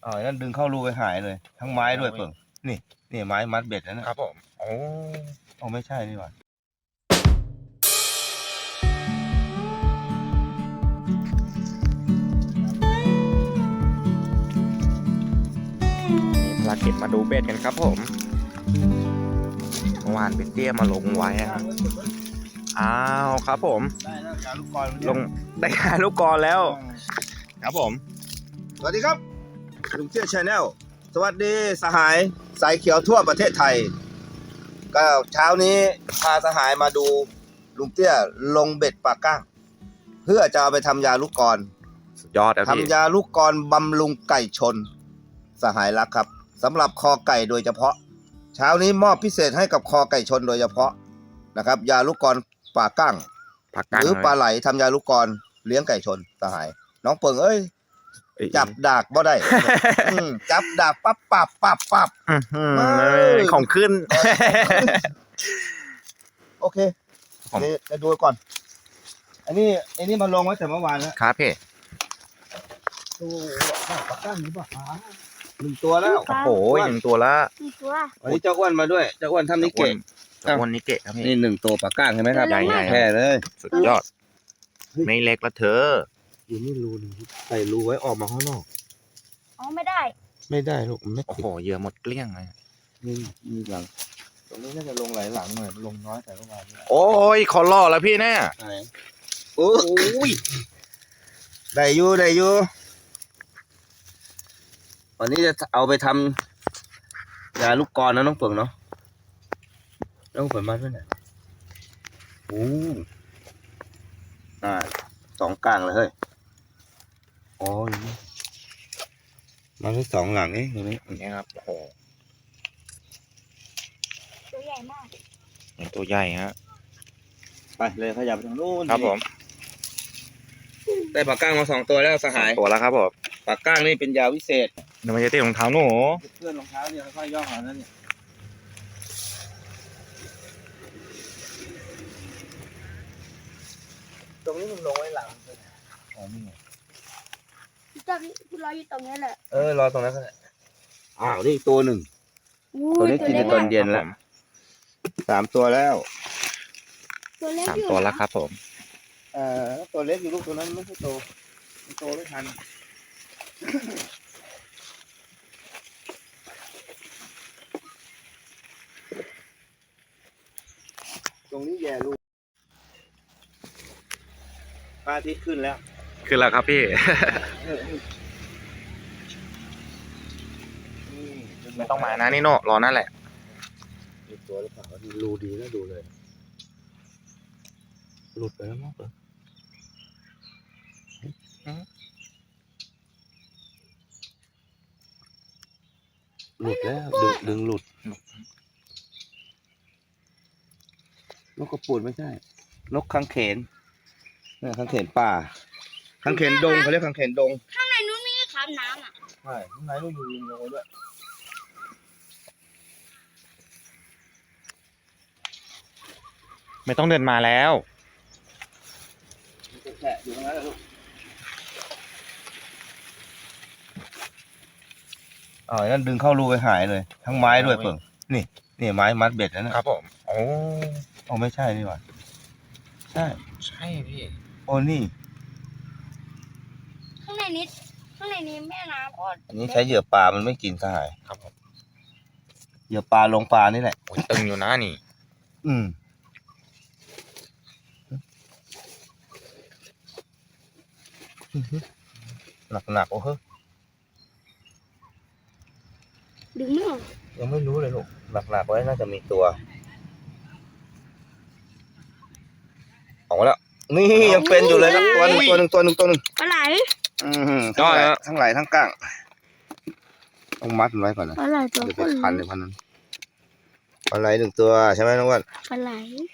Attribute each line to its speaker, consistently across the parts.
Speaker 1: นั่นดึงเข้ารูไปหายเลยทั้งไม้ด้วยเปิ่งนี่ไม้มัดเบ็ดนะครับ
Speaker 2: ผมโอ้
Speaker 1: ไม่ใช่นี่หว่า
Speaker 2: ภารกิจมาดูเบ็ดกันครับผมเมื่อวานเป็นเตี้ยมาลงไว้ครับอ้าวครับผม
Speaker 1: ได้แล้วยาลูกกร
Speaker 2: ลงได้ยาลูกกรแล้วครับผม
Speaker 1: สวัสดีครับลุงเตี้ยชาแนลสวัสดีสหายสายเขียวทั่วประเทศไทยก็เช้านี้พาสหายมาดูลุงเตี้ยลงเบ็ดปลาก้างเพื่อจะเอาไปทำยาลูกกร
Speaker 2: สุดยอดครับพี่
Speaker 1: ทำยาลูกกรบำรุงไก่ชนสหายรักครับสำหรับคอไก่โดยเฉพาะเช้านี้มอบพิเศษให้กับคอไก่ชนโดยเฉพาะนะครับยาลูกกรปลาก้างหรือปลาไหลทำยาลูกกรเลี้ยงไก่ชนสหายน้องเปิงเอ้ยจับดากบ่ได้จับดากปั๊บ
Speaker 2: ของขึ้น
Speaker 1: โอเคจะดูก่อนอันนี้มาลงไว้แต่เมื่อวานแล้ว
Speaker 2: ครับพี่
Speaker 1: ตัวปลาก้างหรือเปล่า1 ตัวแล้ว
Speaker 2: โอ้โห1 ตัวละ
Speaker 1: วันนี้เจ้าอ้วนมาด้วยเจ้าอ้วนทำนิเกะ
Speaker 2: วันนี้เกะครับพี่
Speaker 1: นี่1 ตัวปลาก้างใช่ไหมครับ
Speaker 2: ใหญ่
Speaker 1: แค่เลย
Speaker 2: สุดยอดไม่เล็กละเธอ
Speaker 1: อยู่นี่รูนึงใส่รูไว้ออกมาข้างนอก
Speaker 3: ไม่ได้
Speaker 1: ลูกไม่
Speaker 2: โอ้โหเหยื่อหมดเกลี้ยงเลย
Speaker 1: มีหลังตรงนี้น่าจะลงหลายหลังหน่อยลงน้อยแต่เมื่อวาน
Speaker 2: โอ้ยขอล่อแล้วพี่แน่
Speaker 1: โอ้ยได้อยู่วันนี้จะเอาไปทำยาลูกกรนะน้องเปิ่งเนาะน้องเปิ่งมาด้วยเนี่ยโอ้2 กลางเลยเฮ้ยอ๋อมาแค่2 หลังเองตรงนี้
Speaker 2: นี่ครับโอ้โห
Speaker 3: ตัวใหญ่มาก
Speaker 2: ตัวใหญ่ฮะ
Speaker 1: ไปเลยขยับไปทางนู้น
Speaker 2: ครับผม
Speaker 1: ได้ปลาก้างมา2 ตัวแล้วสหาย
Speaker 2: ตัวแล้วครับผม
Speaker 1: ปลาก้างนี่เป็นยาวิเศษ
Speaker 2: เดี๋ยวมันจะติดรองเท้าหนู
Speaker 1: เพื่อนรองเท้าเนี่ยค่อยๆย่อหานั่นเนี่ยตรงนี้มันลงไว้หลังอ๋อนี่ไง
Speaker 3: คุณรออยู่ตรงนี้แหละ
Speaker 1: รอตรงนั้นก็ได้นี่ตัวหนึ่งตัวนี้กินในตอนเย็นแล้ว3 ตัวแล้ว
Speaker 2: 3 ตัวแล้วครับผม
Speaker 1: ตัวเล็กอยู่ลูกตัวนั้นไม่ใช่โตไม่ทันตรงนี้แย่ลูกพระอาทิตย์ขึ้นแล้ว
Speaker 2: ครับพี่ไม่ต้องมานะนี่โน่รอนั่นแหละ
Speaker 1: มีตัวหรือเปล่ารูดีนะดูเลยหลุดไปแล้วมั้งหลุดแล้วดึงหลุดนกกระปูดไม่ใช่นกคังเขนคังเขนป่าคังเขนดงเขาเรียกคังเขนดง
Speaker 3: ข้างในนู้นมีขามน้ำ
Speaker 1: ใช่ข้างในนู้นมีลิงลงด้วย
Speaker 2: ไม่ต้องเดินมาแล้ว
Speaker 1: แฉะอยู่ตรงนั้นลูกนั่นดึงเข้ารูไปหายเลยทั้งไม้ด้วยเปิ่งนี่ไม้มัดเบ็ดนะครับ
Speaker 2: ผมโอ้
Speaker 1: ไม่ใช่นี่หว่าใช่
Speaker 2: พี่
Speaker 1: นี่
Speaker 3: ข้างในนี้แม่น้ำก็
Speaker 1: อันนี้ใช้เหยื่อปลามันไม่กินสหาย
Speaker 2: ครับผม
Speaker 1: เหยื่อปลาลงปลานี่แหละ
Speaker 2: ตึงอยู่นะนี่
Speaker 1: หนักโอ้โห
Speaker 3: ดึงไม่ออก
Speaker 1: ยังไม่รู้เลยลูกหนักไว้น่าจะมีตัวออกมาแล้วนี่ยังเป็นอยู่เลยครับตัวหนึ่ง
Speaker 3: ปลาไหล
Speaker 1: ทั้งไหลทั้งก้างต้องมัดมันไว้ก่อนนะ
Speaker 3: ปลาไหลตัว
Speaker 1: เดี๋ยวไปคันในพันนั้นปลาไหล1 ตัวใช่ไหมน้องวัน
Speaker 3: ปลาไหล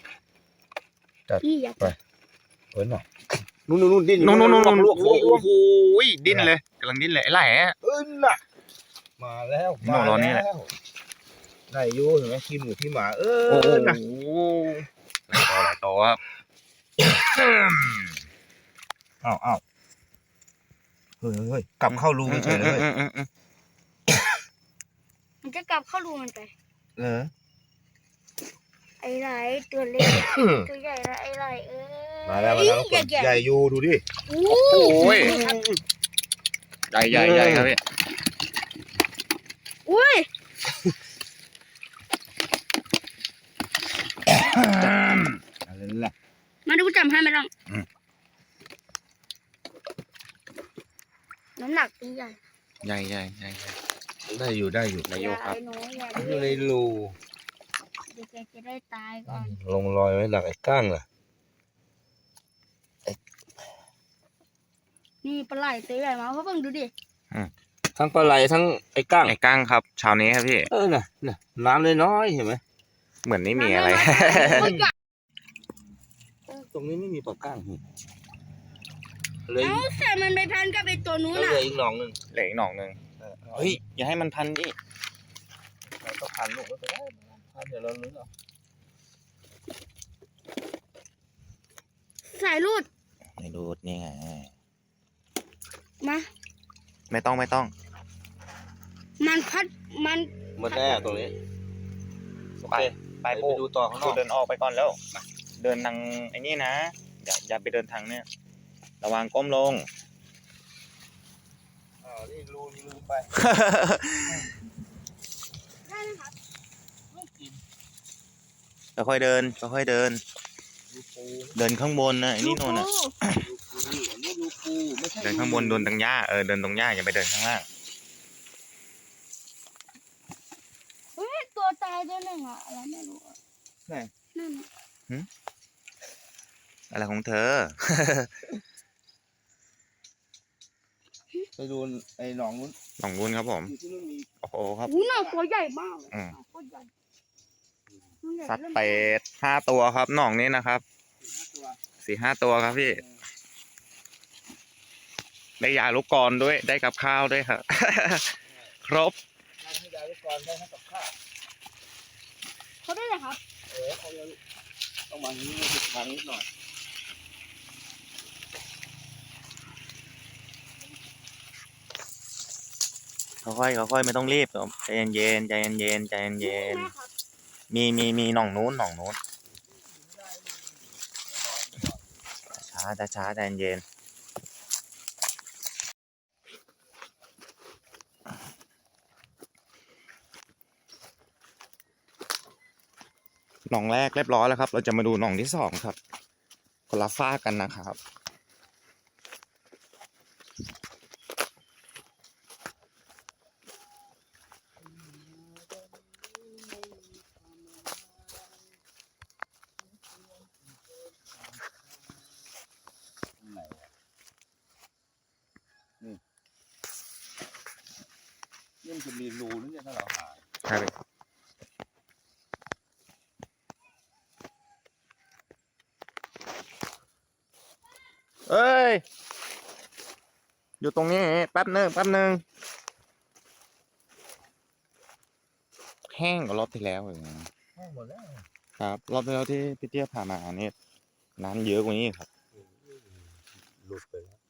Speaker 1: ไปหน่อยนู่นดิ้น
Speaker 2: นู่นโอ้โหดิ้นเลยกำลังดิ้นเลยไอ้ไหล่
Speaker 1: น่ะมาแล้ว
Speaker 2: รอนี่แหละ
Speaker 1: ได้ยูเห็นไหมขี้หมูขี้หมา
Speaker 2: นะหลายตัวครับ
Speaker 1: อ้าวเฮ้ยกลับเข้ารูเฉยเลย
Speaker 3: กลับเข้ารูมันไป
Speaker 1: เออ
Speaker 3: ไอ้ไรตัวเล็ก ตัวใหญ่ละไอ้ไร
Speaker 1: มาแล้วทุกคน ใหญ่อยู่ดูดิ
Speaker 3: โอ้
Speaker 2: โอ้ย
Speaker 3: ครับ
Speaker 2: ใหญ่ใหญ่ครับพี่
Speaker 3: อุ้ย
Speaker 1: อะไรล่ะ
Speaker 3: มาดูจำให้ไหมล่ะน้ำหนักตัวใหญ่
Speaker 2: ใหญ่ใหญ่ใหญ่
Speaker 1: ได้อยู่ได้อยู่
Speaker 2: นายโยครับ
Speaker 3: อย่าไอ้น้อยอย่า
Speaker 1: อยู่ใน
Speaker 3: ดื้อ
Speaker 1: รู
Speaker 3: เดี๋ยวแกจะได้ตายก่อน
Speaker 1: ลงรอยไว้หลักไอ้ก้างล่ะ
Speaker 3: นี่ปลาไหลตัวใหญ่มาเพราะเพิ่งดูดิ
Speaker 1: ทั้งปลาไหลทั้งไอ้ก้าง
Speaker 2: ไอ้ก้างครับเช้านี้ครับพี่
Speaker 1: น่ะน้ำน้อยๆเห็นไหม
Speaker 2: เหมือนไม่มีอะไร
Speaker 3: ตัวใหญ่
Speaker 1: ตรงนี้ไม่มีปลาก้างเลย
Speaker 3: เอ้าแต่มันไปพันกับไอ้ตัวนู้น
Speaker 1: แล้ว
Speaker 3: อ่ะ
Speaker 1: เหลืออีกหนองหนึ่ง
Speaker 2: เหลืออีกหน่องหนึ่งเฮ้ยอย่าให้มันพันดิ
Speaker 1: เราก็พันลูกก็ไปได้พันเดี๋ยวเราลื้อเอา
Speaker 3: สายรูด
Speaker 2: ไม่ดูดนี่ไง
Speaker 3: มา
Speaker 2: ไม่ต้อง
Speaker 3: มันพัดมัน
Speaker 1: หมดแน่ตรงนี้โอเค
Speaker 2: ไป
Speaker 1: ไป
Speaker 2: ปู
Speaker 1: ดูต่อข้างนอก
Speaker 2: เดินออกไปก่อนแล้วเดินทางไอ้นี่นะอย่าไปเดินทางเนี่ยระวังก้มลง
Speaker 1: นี่รูนี่รูไป
Speaker 3: ได้นะครับ
Speaker 2: ค่อยๆเดินค่อยๆเดิน
Speaker 1: รูปู
Speaker 2: เดินข้างบนนะไอ้นี่โน่นน่ะ
Speaker 1: รูปูอันนี้รูปูไม่ใช่
Speaker 2: เดินข้างบนเดินตรงหญ้าเดินตรงหญ้าอย่าไปเดินข้างล่าง
Speaker 3: เฮ้ยตัวตายตัวหนึ่งอ่ะอะไรไม่รู้อะนั่นน่ะ
Speaker 2: อะไรของเธอ
Speaker 1: ไปดูไอ้หนองนู้น
Speaker 2: หนองบุญครับผม
Speaker 1: อยู่ที่นู่นมี
Speaker 2: โอ้โหครับ
Speaker 3: อู้น่ะตัวใหญ่มากเลย
Speaker 2: อืม
Speaker 3: ตัวใหญ่ตัวใหญ่
Speaker 2: สัตว์
Speaker 3: ริ่ม
Speaker 2: เป็ด5 ตัวครับหนองนี้นะครับ
Speaker 1: 4-5 ตัว
Speaker 2: 4-5 ตัวครับพี่ ได้ยาลูกกรอนด้วยได้กับข้าวด้วยครับ ครบ
Speaker 1: ได้ให้ยาลูกกรได้ให้กับข้าว
Speaker 3: เขาได้เลยครับ
Speaker 1: เขาจะต้องมาที่นี่ติดทางนิดหน่อย
Speaker 2: ค่อยๆไม่ต้องรีบครับใจเย็นๆใจเย็นๆใจเย็น
Speaker 3: แม่ครับ
Speaker 2: ๆมีหนองนู้นช้าใจเย็นหนองแรกเรียบร้อยแล้วครับ เราจะมาดูหนองที่2ครับคนละฝ้ากกันนะครับ
Speaker 1: ไหนนี่มันจะมีรูนี่ถ้าเราหา
Speaker 2: ครับเอ้ย อยู่ตรงนี้แป๊บหนึ่งแห้งกว่ารอบที่แล้วอีกนะ
Speaker 1: ให้หมดแล้ว
Speaker 2: ครับ รอบที่แล้วที่พี่เตี้ยพามาเนี่ยน้ำเยอะกว่านี้ครับ
Speaker 1: หลุดไปแล้ว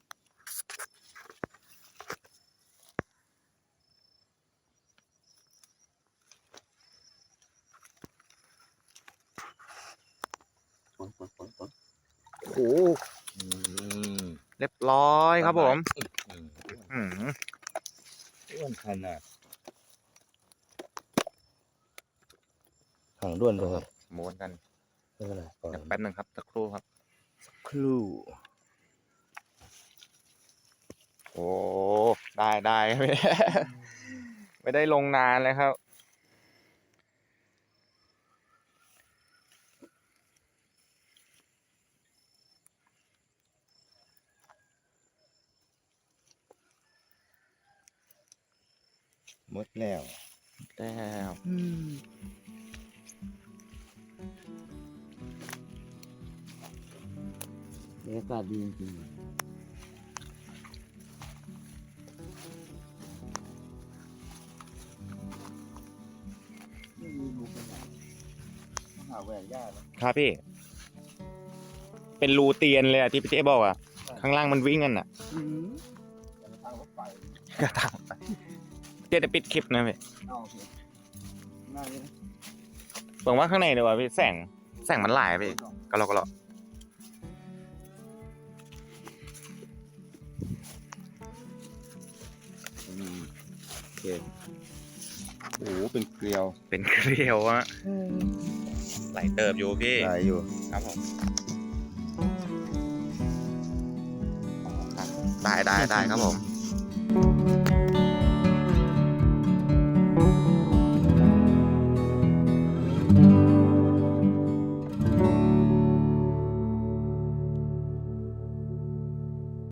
Speaker 1: ฝน
Speaker 2: โอ้โหเรียบร้อยครับผม อืม
Speaker 1: อ้วนขนาดถังด้วนเลย
Speaker 2: ม้วนกัน
Speaker 1: ไม่เป็นไรก่อน
Speaker 2: เดี๋ยวแป๊บหนึ่งครับสักครู่ครับ
Speaker 1: ครู่
Speaker 2: โอ้ได้ ไม่ได้ลงนานเลยครับ
Speaker 1: หมดแล้ว
Speaker 2: แล้ว
Speaker 1: บรรยากาศดีจริงๆไม่มีรูขนาดหาแหวนยากแล้ว
Speaker 2: ครับพี่ เป็นรูเตียนเลยอะที่พี่เต้บอกอะข้างล่างมันวิ่งกันอะ
Speaker 1: ทางรถไฟ
Speaker 2: กระถางเต้จะปิดคลิปนะพี่
Speaker 1: เอาสิน่าจะ
Speaker 2: เบิ่งว่าข้างในดีกว่าพี่แสงมันหลายพี่ก็เรา
Speaker 1: โอเคโอ้โหเป็นเกลียว
Speaker 2: เป็นเกลียวอะไหลเติบอยู่พี่
Speaker 1: ได้อยู่
Speaker 2: ครับผมได้ครับผม